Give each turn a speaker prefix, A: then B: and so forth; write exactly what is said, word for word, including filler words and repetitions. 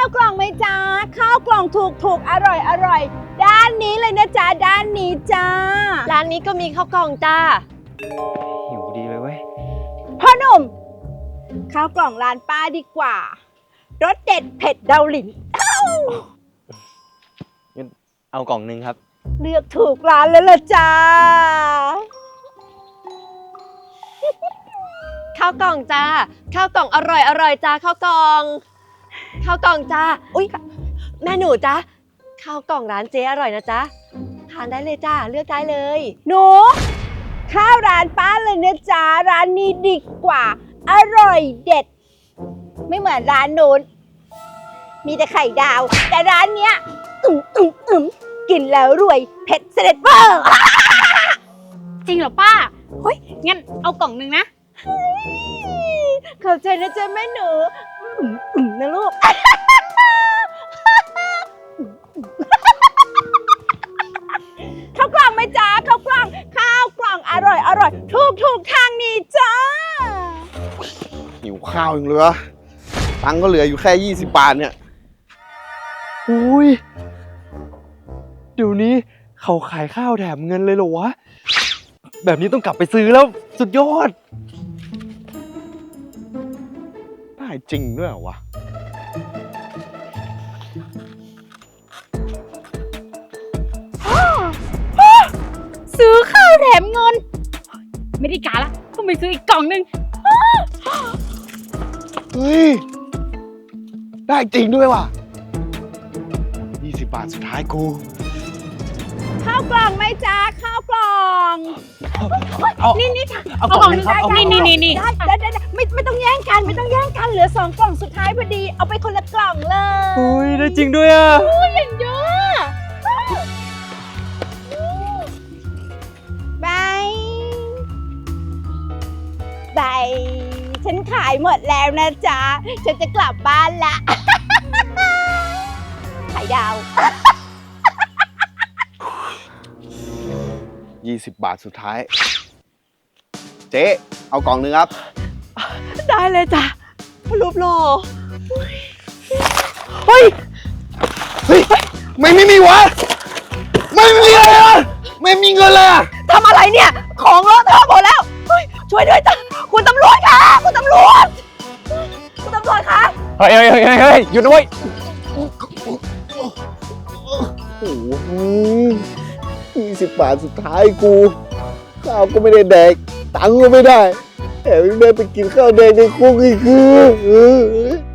A: าวกล่องไหมจ๊ะข้าวกล่องถูกถูกอร่อยอร่อยด้านนี้เลยนะจ๊ะด้านนี้จ้า
B: ร้านนี้ก็มีข้าวกล่องจ้า
C: หิวดีเลยเว้ย
A: พ่อหนุ่มข้าวกล่องร้านป้าดีกว่ารสเด็ดเผ็ดเดาหลิน
C: งั้นเอากล่องหนึ่งครับ
A: เลือกถูกร้านแล้วล่ะจ้า
B: ข้าวกล่องจ้าข้าวกล่องอร่อยอร่อยจ้าข้าวกล่องข้าวกล่องจ้าอุ๊ยแม่หนูจ้าข้าวกล่องร้านเจ๊อร่อยนะจ๊ะทานได้เลยจ้าเลือกได้เลย
A: หนูข้าวร้านป้าเลยนะจ๊ะร้านนี้ดีกว่าอร่อยเด็ดไม่เหมือนร้านนู้นมีแต่ไข่ดาวแต่ร้านเนี้ยอึมอึมอึมกินแล้วรวยเผ็ดเสด็จเวอร์
D: จริงเหรอป้าเฮ้ยงั้นเอากล่องหนึ่งนะ
A: ขอบใจนะจ๊ะแม่หนูอึมอึมนะลูกข้าวกล่องไหมจ๊ะข้าวกล่องข้าวกล่องอร่อยอร่อยถูกถูกทางนี้จ้า
E: หิวข้าวอย่างเหลือตังค์ก็เหลืออยู่แค่ยี่สิบบาทเนี่ย
C: อุ้ยเดี๋ยวนี้เขาขายข้าวแถมเงินเลยเหรอวะแบบนี้ต้องกลับไปซื้อแล้วสุดยอด
E: ได้จริงด้วยเหรอวะ
D: ซื้อข้าวแถมเงินไม่ได้การละต้องไปซื้ออีกกล่องหนึ่ง
E: เฮ้ยได้จริงด้วยว่ะยี่สิบบาทสุดท้ายกู
A: ข้าวกล่องไหมจ๊ะข้าวกล่องนี่นี่ค่ะ
C: เอากล่องนึงครับ
D: นี่นี่นี่นี่
A: ได้ได้ได้ไม่ไม่ต้องแย่งกันไม่ต้องแย่งกันเหลือสองกล่องสุดท้ายพอดีเอาไปคนละกล่องเลย
C: อุ้ยได้จริงด้วยอ่ะ
A: อุ้ยอย่างเยอะบายบายฉันขายหมดแล้วนะจ๊ะฉันจะกลับบ้านละขายดาว
E: ยี่สิบบาทสุดท้ายเจ๊เอากล่องนึงครับ
B: ได้เลยจ้ะรูปหล่อ
E: เฮ้ยเฮ้ยไม่ไม่มีวะไม่มีเลยอะไม่มีเงินเลยอะ
B: ทำอะไรเนี่ยของเลอะเทอะหมดแล้วช่วยด้วยจ้ะคุณตำรวจค่ะคุณตำรวจคุณตำรวจคะ
C: เฮ้ยเฮ้ยเฮ้ยเฮ้ยหยุดนะเว้ย
E: โอ้โหยี่สิบบาทสุดท้ายกูข้าวก็ไม่ได้แดกตังค์ก็ไม่ได้แถมยังได้ไปกินข้าวแดงในคุกอีกคือ